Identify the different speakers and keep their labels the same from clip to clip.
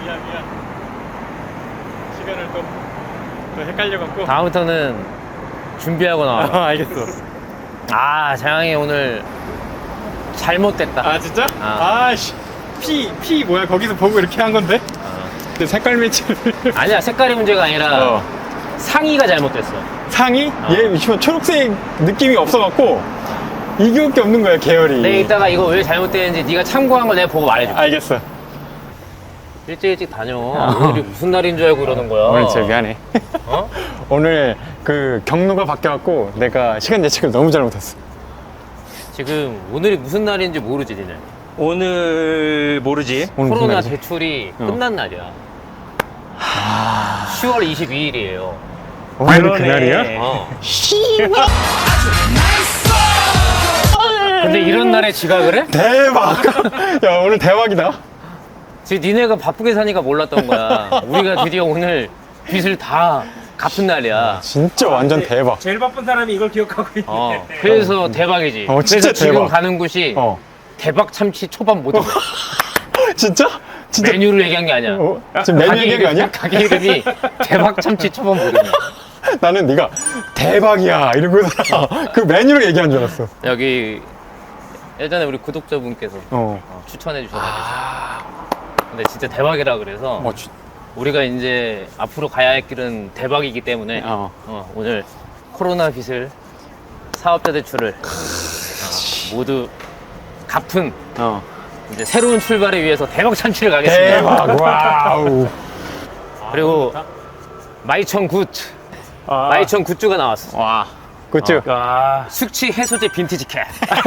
Speaker 1: 미안. 시간을 또 헷갈려갖고.
Speaker 2: 다음부터는 준비하고 나와.
Speaker 1: 알겠어.
Speaker 2: 아, 자영이 오늘 잘못됐다.
Speaker 1: 아 진짜?
Speaker 2: 아.
Speaker 1: 아씨. 피 뭐야? 거기서 보고 이렇게 한 건데? 근데 색깔 매치를.
Speaker 2: 아니야, 색깔이 문제가 아니라 상의가 잘못됐어.
Speaker 1: 상이? 얘 초록색 느낌이 없어갖고 이거밖에 없는 거야 계열이.
Speaker 2: 내가 이따가 이거 왜 잘못됐는지 네가 참고한 거 내가 보고 말해줄게.
Speaker 1: 알겠어.
Speaker 2: 일찍 다녀. 오늘이 무슨 날인 줄 알고 그러는 거야.
Speaker 1: 오늘 진짜 미안해.
Speaker 2: 어?
Speaker 1: 오늘 그 경로가 바뀌어갖고 내가 시간 예측을 너무 잘못했어.
Speaker 2: 지금 오늘이 무슨 날인지 모르지, 니네.
Speaker 3: 오늘 모르지.
Speaker 1: 오늘 무슨
Speaker 2: 코로나
Speaker 1: 날이지?
Speaker 2: 대출이 끝난 날이야. 10월 22일이에요.
Speaker 1: 오늘이
Speaker 3: 그러네.
Speaker 1: 그날이야?
Speaker 2: 어. 근데 이런 날에 지각을 해?
Speaker 1: 대박! 야 오늘 대박이다.
Speaker 2: 지금 니네가 바쁘게 사니까 몰랐던 거야. 우리가 드디어 오늘 빚을 다 갚은 날이야.
Speaker 1: 진짜 완전 대박.
Speaker 3: 제일 바쁜 사람이 이걸 기억하고 있네.
Speaker 2: 그래서 대박이지.
Speaker 1: 진짜
Speaker 2: 그래서 지금
Speaker 1: 대박.
Speaker 2: 가는 곳이
Speaker 1: 어.
Speaker 2: 대박 참치 초밥 모듬.
Speaker 1: 진짜? 진짜?
Speaker 2: 메뉴를 얘기한 게 아니야.
Speaker 1: 지금 메뉴 얘기한 거 아니야?
Speaker 2: 가게 이름이 대박 참치 초밥 모듬이야.
Speaker 1: 나는 네가 대박이야 이러고 그 메뉴를 얘기한 줄 알았어.
Speaker 2: 여기 예전에 우리 구독자분께서
Speaker 1: 어.
Speaker 2: 추천해 주셔가지고. 근데 진짜 대박이라 그래서 우리가 이제 앞으로 가야 할 길은 대박이기 때문에 오늘 코로나 빚을 사업자 대출을 모두 갚은 이제 새로운 출발을 위해서 대박 참치를 가겠습니다.
Speaker 1: 대박! 와우.
Speaker 2: 그리고 마이천 굿즈, 마이천 굿즈가 나왔어.
Speaker 1: 와. 그치?
Speaker 3: 아,
Speaker 2: 숙취 해소제 빈티지 캡.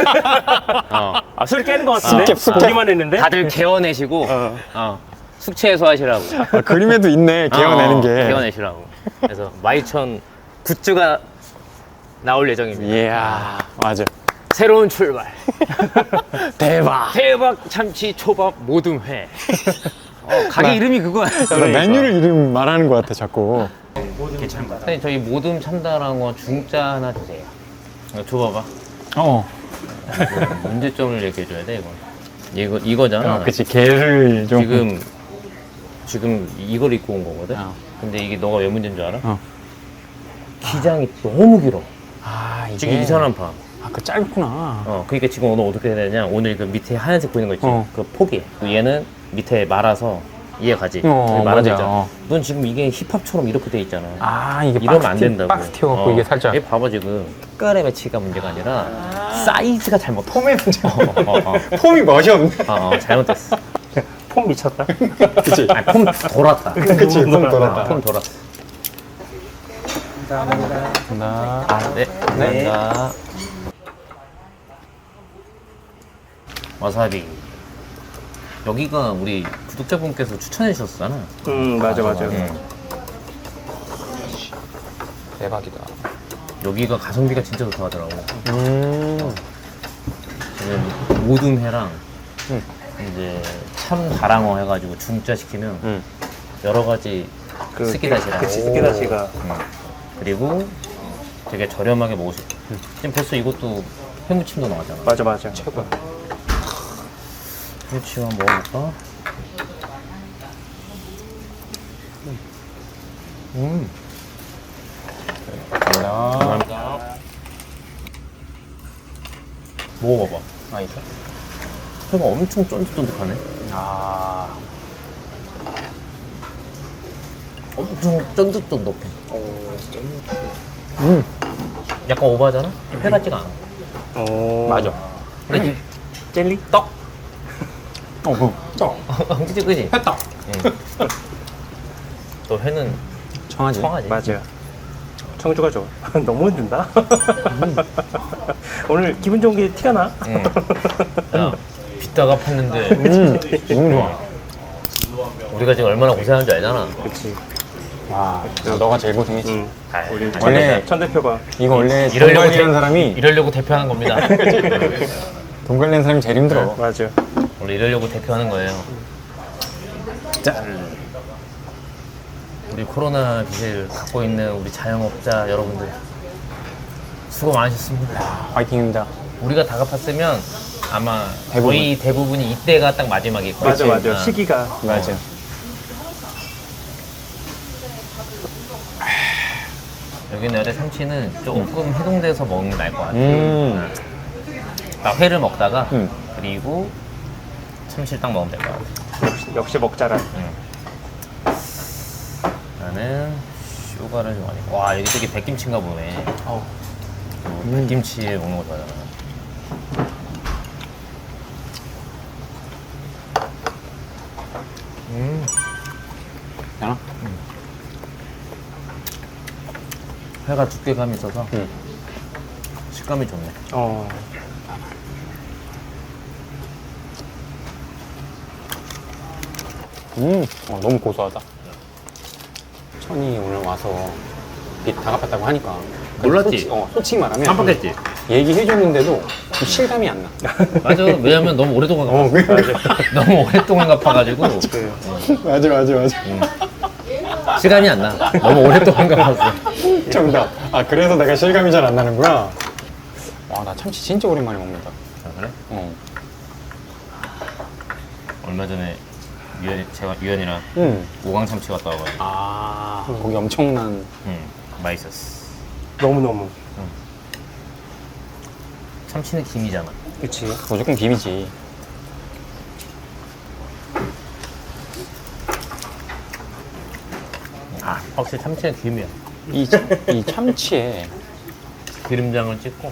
Speaker 3: 소리 깨는 것 같은데?
Speaker 1: 습캡.
Speaker 3: 보기만 했는데?
Speaker 2: 다들 개어내시고 숙취 해소하시라고.
Speaker 1: 그림에도 있네 개어내는 게.
Speaker 2: 개어내시라고. 그래서 마이천 굿즈가 나올 예정입니다.
Speaker 1: 이야 맞아.
Speaker 2: 새로운 출발.
Speaker 1: 대박.
Speaker 2: 대박 참치 초밥 모듬회. 가게 이름이 그거야.
Speaker 1: 나 메뉴를 이름 말하는 것 같아 자꾸.
Speaker 2: 선생님 저희 모듬 참다랑어 중짜 하나 주세요. 이거 줘봐봐. 문제점을 얘기해줘야 돼 이건. 이거잖아.
Speaker 1: 그치 개를 좀.
Speaker 2: 지금 이걸 입고 온 거거든. 근데 이게 너가 왜 문제인 줄 알아?
Speaker 1: 어.
Speaker 2: 기장이 너무 길어.
Speaker 1: 이게.
Speaker 2: 지금 이 사람파.
Speaker 1: 그 짧구나.
Speaker 2: 그러니까 지금 오늘 어떻게 해야 되냐? 오늘 그 밑에 하얀색 보이는 거 있지?
Speaker 1: 어.
Speaker 2: 그거 포기해. 얘는 밑에 말아서 이해가지?
Speaker 1: 맞아.
Speaker 2: 말아져 있잖아. 넌 지금 이게 힙합처럼 이렇게 돼 있잖아.
Speaker 1: 이게
Speaker 2: 이러면 안 된다고.
Speaker 1: 박스 튀어갖고 이게 살짝.
Speaker 2: 얘 봐봐 지금 색깔의 매치가 문제가 아니라 사이즈가 잘못. 폼의 문제.
Speaker 1: 폼이 멋이 없네.
Speaker 2: 잘못됐어.
Speaker 3: 폼 미쳤다.
Speaker 1: 그치?
Speaker 2: 아니, 폼 돌았다.
Speaker 1: 그치 폼 돌았다.
Speaker 2: 폼 돌았어.
Speaker 1: 감사합니다.
Speaker 2: 네. 감사합니다. 와사비. 여기가 우리 구독자분께서 추천해 주셨잖아.
Speaker 3: 맞아.
Speaker 1: 대박이다.
Speaker 2: 여기가 가성비가 진짜 좋다고 하더라고. 지금 모둠회랑 이제 참다랑어 해가지고 중짜 시키면 여러 가지 스키다시랑
Speaker 3: 그치, 스키다시가.
Speaker 2: 그리고 되게 저렴하게 먹을 수 있고 지금 벌써 이것도 회무침도 나왔잖아.
Speaker 3: 맞아.
Speaker 1: 최고야.
Speaker 2: 회무침 한번 먹어볼까? 감사합니다. 먹어봐봐.
Speaker 1: 맛있어?
Speaker 2: 회가 엄청 쫀득쫀득하네. 엄청 쫀득쫀득해. 약간 오버하잖아? 회 같지가 않아.
Speaker 1: 맞아.
Speaker 2: 그치?
Speaker 3: 젤리?
Speaker 2: 떡!
Speaker 1: 떡.
Speaker 2: 그치?
Speaker 1: 회떡.
Speaker 2: 또 회는
Speaker 1: 청아지.
Speaker 2: 청하지.
Speaker 3: 맞아. 청주가 좋아. 너무 흔든다. 오늘 기분 좋은 게 티가 나?
Speaker 2: 야, 빚다가 팠는데
Speaker 1: 너무 좋아.
Speaker 2: 우리가 지금 얼마나 고생하는 줄 알잖아.
Speaker 3: 그치.
Speaker 1: 와, 너가 제일 고생했지.
Speaker 3: 우리
Speaker 1: 원래
Speaker 3: 천 대표가.
Speaker 1: 이거 원래 돈
Speaker 2: 이러려고
Speaker 1: 관리하는 사람이
Speaker 2: 이러려고 대표하는 겁니다.
Speaker 1: 돈 관리하는 사람이 제일 힘들어.
Speaker 3: 맞아.
Speaker 2: 원래 이러려고 대표하는 거예요. 짠. 우리 코로나 빚을 갖고 있는 우리 자영업자 여러분들 수고 많으셨습니다.
Speaker 1: 화이팅입니다.
Speaker 2: 우리가 다 갚았으면 아마
Speaker 1: 대부분.
Speaker 2: 거의 대부분이 이때가 딱 마지막일 거예요.
Speaker 3: 맞아. 시기가.
Speaker 1: 맞아.
Speaker 2: 여기 있는 참치는 조금 해동돼서 먹는 게 나을 것 같아. 딱 회를 먹다가 그리고 참치를 딱 먹으면 될 것 같아.
Speaker 3: 역시 먹자라.
Speaker 2: 나는 슈가를 좋아하니까. 와, 여기 되게 백김치인가 보네. 백김치 먹는 거 좋아하잖아.
Speaker 1: 괜찮아?
Speaker 2: 회가 두께감이 있어서 식감이 좋네.
Speaker 1: 너무 고소하다. 천이 오늘 와서 빛 다 갚았다고 하니까.
Speaker 2: 몰랐지?
Speaker 1: 솔직히 말하면.
Speaker 2: 깜빡했지?
Speaker 1: 얘기해줬는데도 좀 실감이 안 나.
Speaker 2: 맞아. 왜냐면 너무 오랫동안 갚았어.
Speaker 1: 그러니까.
Speaker 2: 너무 오랫동안 갚아가지고
Speaker 1: 맞아.
Speaker 2: 시간이 안 나. 너무 오랫동안 갚았어.
Speaker 1: 정답. 아, 그래서 내가 실감이 잘 안 나는구나. 와, 나 참치 진짜 오랜만에 먹는다.
Speaker 2: 아, 그래? 얼마 전에 제가 유연이랑 오강 참치 갔다 와가지고
Speaker 1: 거기 엄청난.
Speaker 2: 맛있었어.
Speaker 3: 너무너무.
Speaker 2: 참치는 김이잖아.
Speaker 3: 그치.
Speaker 1: 무조건 김이지.
Speaker 2: 확실히 참치는 김이야.
Speaker 1: 이 참치에
Speaker 2: 기름장을 찍고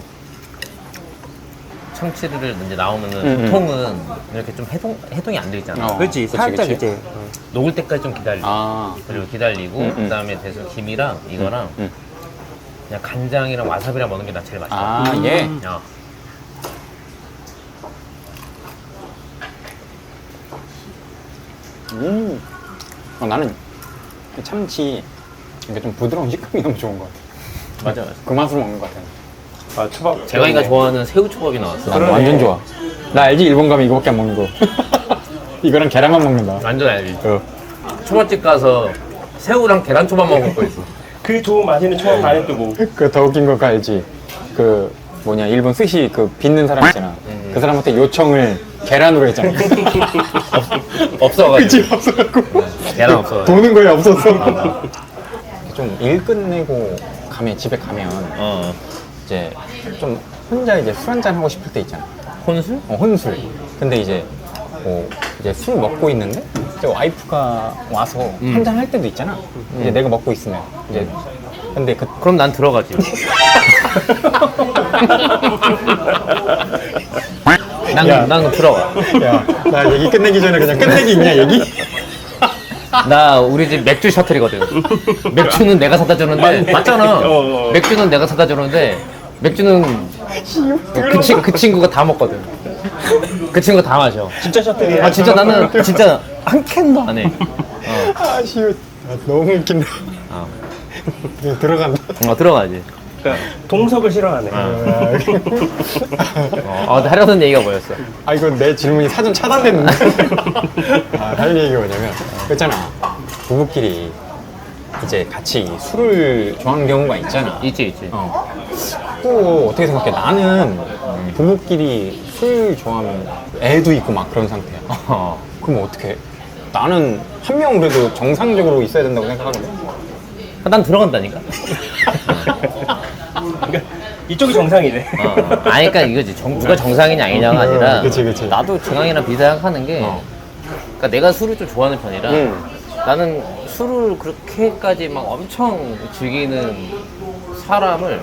Speaker 2: 참치를 이제 나오면은 보통은 이렇게 좀 해동이 안 돼 있잖아.
Speaker 3: 그치. 살짝
Speaker 1: 그치.
Speaker 3: 이제.
Speaker 2: 녹을 때까지 좀 기다리고 그리고 기다리고 그다음에 대충 김이랑 이거랑 그냥 간장이랑 와사비랑 먹는 게 나 제일 맛있어.
Speaker 1: 예. 나는 이 참치 이게 좀 부드러운 식감이 너무 좋은 것 같아.
Speaker 2: 맞아.
Speaker 1: 그 맛으로 먹는 것 같아.
Speaker 3: 초밥.
Speaker 2: 재광이가 좋아하는 새우초밥이 나왔어.
Speaker 1: 난 완전 좋아. 나 알지? 일본 가면 이거밖에 안 먹는 거. 이거랑 계란만 먹는다.
Speaker 2: 완전 알지. 초밥집 가서 새우랑 계란 초밥 먹을 거 있어.
Speaker 3: 그 좋은 맛있는 초밥 안에 또 뭐.
Speaker 1: 그 더 웃긴 거 알지? 그 뭐냐 일본 스시 그 빚는 사람 있잖아. 그 사람한테 요청을 계란으로 했잖아.
Speaker 2: 없어가지고.
Speaker 1: 그치 없어갖고.
Speaker 2: 계란 없어.
Speaker 1: 보는 거에 없었어. 좀 일 끝내고 집에 가면 이제 좀 혼자 이제 술 한잔 하고 싶을 때 있잖아.
Speaker 2: 혼술?
Speaker 1: 혼술. 근데 이제 이제 술 먹고 있는데 이제 와이프가 와서 한잔 할 때도 있잖아. 이제 내가 먹고 있으면 이제 근데
Speaker 2: 그럼 난 들어가지. 난 들어가.
Speaker 1: 야, 나 얘기 끝내기 전에 그냥 끝내기 있냐 얘기?
Speaker 2: 나 우리 집 맥주 셔틀이거든. 맥주는 내가 사다 주는데 맞잖아. 맥주는 내가 사다 주는데 맥주는 그 친구가 다 먹거든. 그 친구가 다 마셔.
Speaker 3: 진짜 셔틀이야.
Speaker 2: 진짜 나는 진짜 한 캔도 안 해.
Speaker 1: 시웃. 너무 웃긴다. 그냥 들어간다.
Speaker 2: 들어가지.
Speaker 3: 그러니까 동석을 싫어하네.
Speaker 2: 하려던 얘기가 뭐였어?
Speaker 1: 이거 내 질문이 사전 차단됐는데. 할 얘기가 뭐냐면 그렇잖아. 부부끼리 이제 같이 술을 좋아하는 경우가 있잖아.
Speaker 2: 있지.
Speaker 1: 또 어떻게 생각해? 나는 부부끼리 술 좋아하면 애도 있고 막 그런 상태야. 그럼 어떻게? 나는 한 명은 그래도 정상적으로 있어야 된다고 생각하거든.
Speaker 2: 난 들어간다니까.
Speaker 3: 그러니까 이쪽이 정상이네.
Speaker 2: 그러니까 이거지. 누가 정상이냐 아니냐가 아니라.
Speaker 1: 그치.
Speaker 2: 나도 정황이랑 비슷하게 게. 그러니까 내가 술을 좀 좋아하는 편이라. 나는 술을 그렇게까지 막 엄청 즐기는 사람을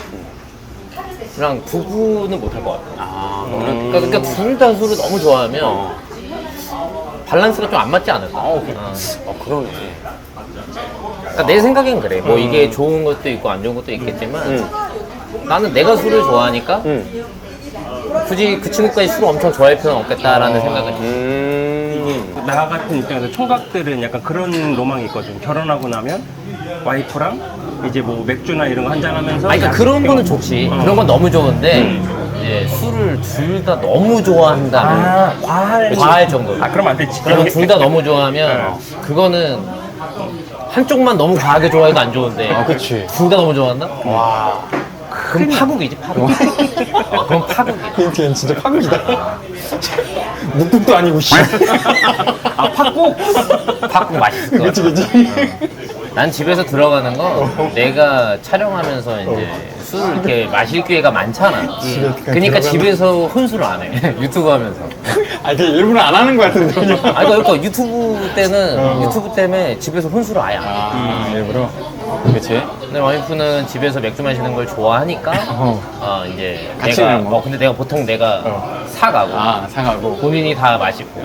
Speaker 2: 그냥 구분은 못할 것 같아. 그러니까 둘 다 술을 너무 좋아하면 밸런스가 좀 안 맞지 않을까?
Speaker 1: 그러네.
Speaker 2: 그러니까 내 생각엔 그래. 뭐 이게 좋은 것도 있고 안 좋은 것도 있겠지만 나는 내가 술을 좋아하니까 굳이 그 친구까지 술을 엄청 좋아할 필요는 없겠다라는 생각을 해.
Speaker 3: 나 같은 입장에서 총각들은 약간 그런 로망이 있거든. 결혼하고 나면 와이프랑 이제 뭐 맥주나 이런 거 한잔하면서.
Speaker 2: 그러니까 그런 거는 좋지. 그런 건 너무 좋은데 이제 술을 둘 다 너무 좋아한다면 과할 정도.
Speaker 3: 그럼 안 되지.
Speaker 2: 그러면 둘 다 너무 좋아하면 그거는 한쪽만 너무 과하게 좋아해도 안 좋은데
Speaker 1: 그치.
Speaker 2: 둘 다 너무 좋아한다? 그럼 파국이지 파국. 그럼 파국이야.
Speaker 1: 걔는 진짜 파국이다. 묵국도 아니고 씨.
Speaker 3: 팥국?
Speaker 2: 파국 맛있을 것 같아.
Speaker 1: 그치.
Speaker 2: 난 집에서 들어가는 거 내가 촬영하면서 이제 술을 이렇게 마실 기회가 많잖아. 그러니까 집에서 혼술을 안 해. 유튜브 하면서.
Speaker 1: 아, 이게 일부러 안 하는 거 같은데. 그냥.
Speaker 2: 아니 그러니까 유튜브 때는 유튜브 때문에 집에서 혼술을 아예 안 해.
Speaker 1: 아, 일부러? 그치?
Speaker 2: 근데 와이프는 집에서 맥주 마시는 걸 좋아하니까 이제
Speaker 1: 같이
Speaker 2: 내가
Speaker 1: 먹어?
Speaker 2: 근데 내가 보통 내가 사가고
Speaker 1: 아, 사가고.
Speaker 2: 본인이 다 마시고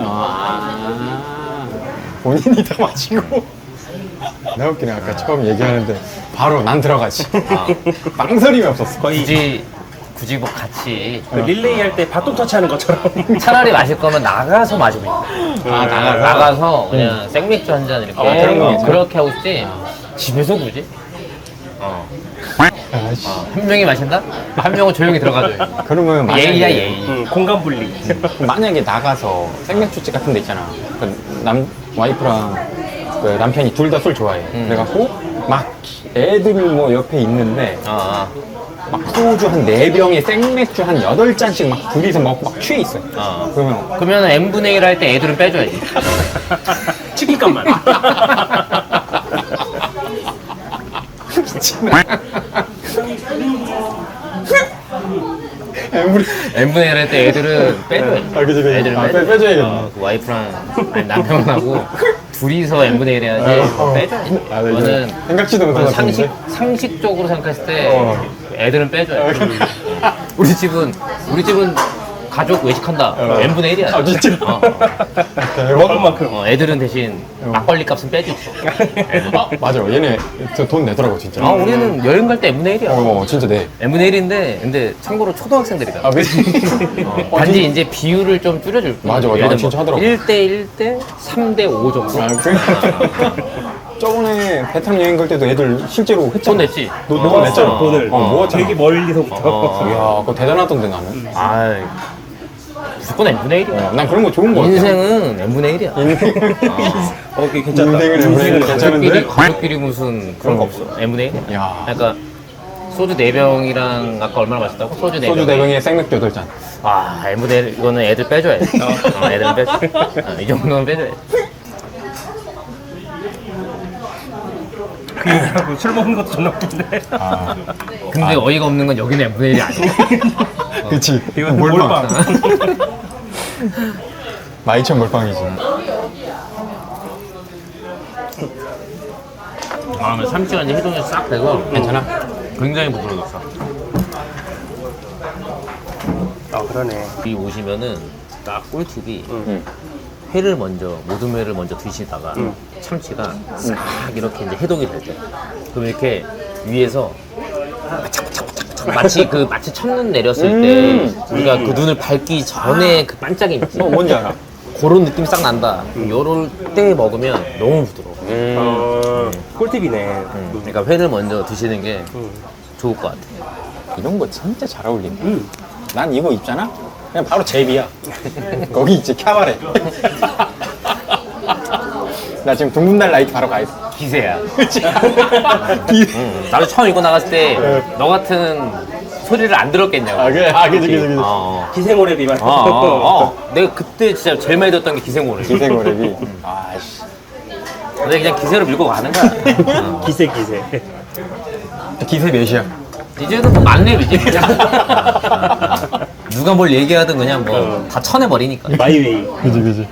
Speaker 1: 본인이 다 마시고. 나 웃기네. 아까 처음 얘기하는데 바로 난 들어가지. 망설임이 없었어.
Speaker 2: 굳이 뭐 같이
Speaker 3: 그 릴레이 할 때 바톤 터치하는 것처럼.
Speaker 2: 차라리 마실 거면 나가서 마시고
Speaker 1: 아,
Speaker 2: 나가서 그냥 생맥주 한 잔 이렇게
Speaker 1: 그런 거 괜찮아.
Speaker 2: 그렇게 하고 싶지 집에서 굳이?
Speaker 1: 아씨.
Speaker 2: 한 명이 마신다? 한 명은 조용히 들어가줘요.
Speaker 1: 그러면 만약에,
Speaker 2: 예의야 예의.
Speaker 3: 공간 분리.
Speaker 1: 만약에 나가서 생맥주집 같은 데 있잖아. 와이프랑 그 남편이 둘 다 술 좋아해. 그래갖고 막 애들 뭐 옆에 있는데 막 소주 한 4병에 생맥주 한 8잔씩 막 둘이서 먹고 막 취해 있어요.
Speaker 2: 그러면 n분의 1 할 때 애들은 빼줘야지.
Speaker 3: 치킨값만.
Speaker 2: n분의 1 할 때 애들은 빼줘야지.
Speaker 1: 그치.
Speaker 2: 애들은
Speaker 1: 빼줘야겠네.
Speaker 2: 그 와이프랑 아니, 남편하고 둘이서 n분의 1 해야지. 빼줘야지. 이거는
Speaker 1: 생각지도 못한 것 같은데.
Speaker 2: 상식적으로 생각했을 때 애들은 빼줘야 돼. 우리 집은 가족 외식한다. n분의 1이야.
Speaker 1: 아, 진짜?
Speaker 3: 먹을 만큼.
Speaker 2: 애들은 대신 막걸리 값은 빼주지.
Speaker 1: 아, 맞아. 얘네 돈 내더라고, 진짜.
Speaker 2: 우리는 여행 갈 때 n분의 1이야.
Speaker 1: 진짜 내.
Speaker 2: n분의 1인데 근데 참고로 초등학생들이다.
Speaker 1: 아, 그치?
Speaker 2: 단지 이제 비율을 좀 줄여줄 거야.
Speaker 1: 맞아.
Speaker 2: 예를 들면
Speaker 1: 진짜 하더라고.
Speaker 2: 1대 1대 3대 5 정도.
Speaker 1: 저번에 베트남 여행 갈 때도 애들 실제로 했잖아.
Speaker 2: 돈 냈지?
Speaker 1: 너가 냈잖아.
Speaker 3: 돈을.
Speaker 1: 모았잖아.
Speaker 3: 되게 멀리서부터.
Speaker 1: 이야, 그거 대단하던데 나는.
Speaker 2: 아이, 무조건 n분의 1이야.
Speaker 1: 난 그런 거 좋은 거 같아.
Speaker 2: 인생은 n분의 1이야.
Speaker 3: 그게 괜찮다.
Speaker 1: 인생을 n분의 1 괜찮은데?
Speaker 2: 가족끼리 무슨 그런 거 없어. n분의 1이야.
Speaker 1: 야.
Speaker 2: 그러니까 소주 4병이랑 아까 얼마나 마셨다고? 소주 4병.
Speaker 1: 소주 4병에 생맥주 8잔.
Speaker 2: n분의 1 이거는 애들 빼줘야 돼. 애들은 빼줘. 이 정도는 빼줘야 돼.
Speaker 3: 술 먹는 것도 존나 웃긴데.
Speaker 2: 근데 어이가 없는 건 여기는 n분의 1이 아니야.
Speaker 1: 그치.
Speaker 3: 이건
Speaker 1: 몰빵.
Speaker 3: 몰빵.
Speaker 1: 마이천 몰빵이지.
Speaker 2: 참치가 이제 해동이 싹 되고
Speaker 1: 괜찮아?
Speaker 2: 굉장히 부드러웠어.
Speaker 3: 그러네.
Speaker 2: 여기 오시면은 딱 꿀팁이 회를 먼저 모든 회를 먼저 드시다가 참치가 싹 이렇게 이제 해동이 될 때 그럼 이렇게 위에서 마치 첫눈 내렸을 때 우리가 그 눈을 밟기 전에 그 반짝임 있지.
Speaker 1: 뭔지 알아?
Speaker 2: 그런 느낌이 싹 난다. 요럴 때 먹으면 너무 부드러워.
Speaker 3: 꿀팁이네.
Speaker 2: 그러니까 회를 먼저 드시는 게 좋을 것 같아.
Speaker 1: 이런 거 진짜 잘 어울린다. 난 이거 입잖아? 그냥 바로 제비야. 거기 있지, 캬바레. 나 지금 둥근달 라이트 바로 가 있어.
Speaker 2: 기세야. 나도 처음 이거 나갔을 때 너 같은 소리를 안 들었겠냐고.
Speaker 1: 그치.
Speaker 3: 기생오래비 말.
Speaker 2: 내가 그때 진짜 제일 많이 듣던 게 기생오래.
Speaker 1: 기생오래비. 아씨.
Speaker 2: 근데 그냥 기세로 밀고 가는 거야.
Speaker 3: 기세.
Speaker 1: 기세 몇이야?
Speaker 2: 이제는 뭐 만렙이지. 누가 뭘 얘기하든 그냥 뭐 다 쳐내버리니까.
Speaker 3: 마이웨이.
Speaker 1: 그지.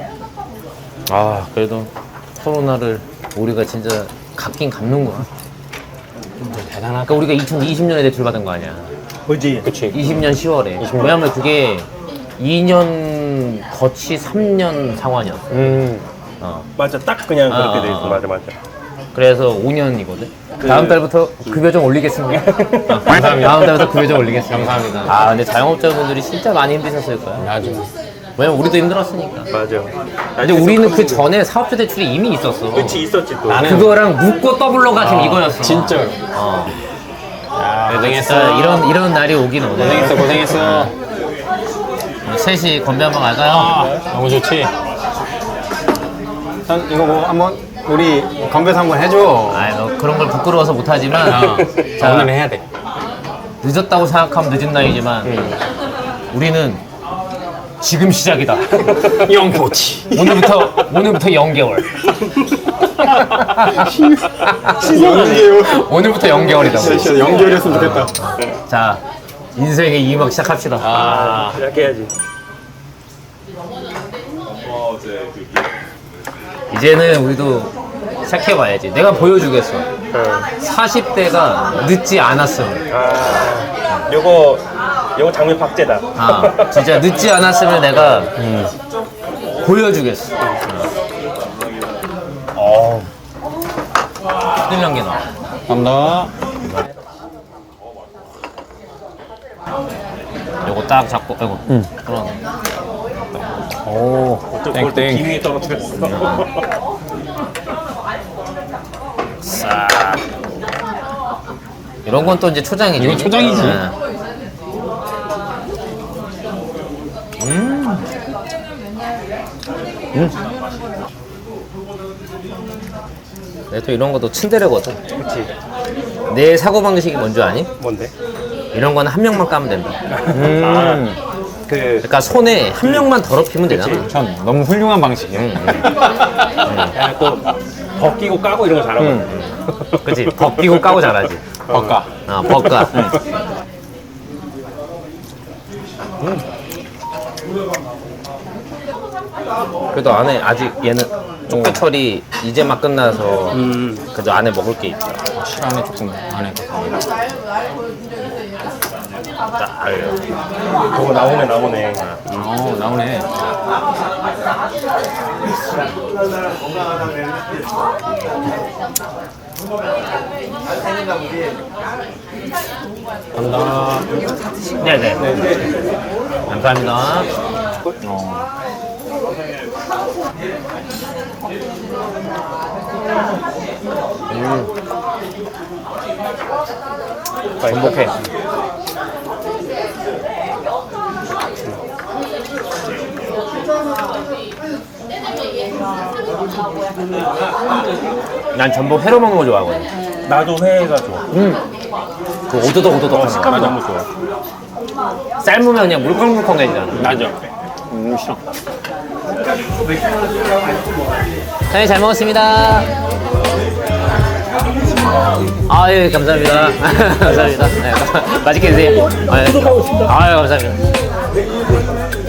Speaker 2: 그래도 코로나를 우리가 진짜 갚긴 갚는구나.
Speaker 1: 대단하다.
Speaker 2: 그러니까 우리가 2020년에 대출 받은 거 아니야.
Speaker 3: 뭐지?
Speaker 1: 그치.
Speaker 2: 20년 10월에. 왜냐면 그게 2년 거치 3년 상환이었어.
Speaker 3: 맞아. 딱 그냥 그렇게 돼 있어. 맞아.
Speaker 2: 그래서 5년이거든. 다음 달부터 급여 좀 올리겠습니다.
Speaker 1: 감사합니다.
Speaker 2: 다음 달부터 급여 좀 올리겠습니다.
Speaker 1: 감사합니다.
Speaker 2: 근데 자영업자분들이 진짜 많이 힘드셨을 거야.
Speaker 1: 아주.
Speaker 2: 왜냐면 우리도 힘들었으니까.
Speaker 3: 맞아.
Speaker 2: 근데 우리는 그 전에 사업자 대출이 이미 있었어.
Speaker 3: 그치 있었지 또.
Speaker 1: 나는
Speaker 2: 그거랑 묶고 더블로가 지금 이거였어.
Speaker 1: 진짜로.
Speaker 2: 고생했어. 이런 날이 오긴 오네.
Speaker 1: 고생했어.
Speaker 2: 셋이 건배 한번 갈까요?
Speaker 1: 너무 좋지. 난 이거 뭐 한번 우리 건배사 한번 해줘.
Speaker 2: 너 그런 걸 부끄러워서 못하지만 자,
Speaker 1: 오늘 해야 돼.
Speaker 2: 늦었다고 생각하면 늦은 나이지만 우리는 지금 시작이다.
Speaker 1: 영포치.
Speaker 2: 오늘부터 0개월.
Speaker 1: 연계요.
Speaker 2: 오늘부터 연결이다.
Speaker 1: 진짜 연결이었으면 좋겠다.
Speaker 2: 자, 인생의 2막 시작합시다.
Speaker 3: 이렇게 해야지.
Speaker 2: 이제는 우리도 시작해봐야지. 내가 보여주겠어. 40대가 늦지 않았음.
Speaker 3: 요거 장면 박제다.
Speaker 2: 아, 진짜 늦지 않았으면 내가 보여주겠어. 뚫는 게 나와.
Speaker 1: 감사합니다.
Speaker 2: 요거 딱 잡고, 아이고. 그러네.
Speaker 1: 오,
Speaker 3: 그걸 또
Speaker 1: 땡땡.
Speaker 3: 기미에 떨어뜨렸어.
Speaker 2: 싹. 이런 건 또 이제 초장이지.
Speaker 1: 이건 초장이지.
Speaker 2: 네. 내가 또 이런 것도 츤데레거든.
Speaker 3: 그렇지.
Speaker 2: 내 사고방식이 뭔지 아니?
Speaker 3: 뭔데?
Speaker 2: 이런 거는 한 명만 까면 된다.
Speaker 3: 그
Speaker 2: 그러니까 손에 한 명만 더럽히면 되잖아.
Speaker 1: 참 너무 훌륭한 방식이야.
Speaker 3: 야, 또 벗기고 까고 이런 거 잘하거든.
Speaker 2: 그치? 벗기고 까고 잘하지.
Speaker 1: 버까.
Speaker 2: 벗가. 그래도 안에 아직 얘는 쪽배 처리 이제 막 끝나서 그래도 안에 먹을 게 있다.
Speaker 1: 시간에 조금 안 해.
Speaker 3: 저거 나오네.
Speaker 1: 나오네. 감사합니다.
Speaker 2: 네네. 감사합니다. 행복해. 난 전복 회로 먹는 거 좋아하거든.
Speaker 3: 나도 회가 좋아.
Speaker 2: 그 오도독 하는
Speaker 3: 식감이
Speaker 2: 거.
Speaker 3: 너무 좋아.
Speaker 2: 삶으면 그냥 물컹물컹해지잖아.
Speaker 1: 맞아. 싫어.
Speaker 2: 사장님 잘 먹었습니다. 아, 예, 감사합니다. 감사합니다. 네, 맛있게 드세요. 아, 예. 아유, 감사합니다.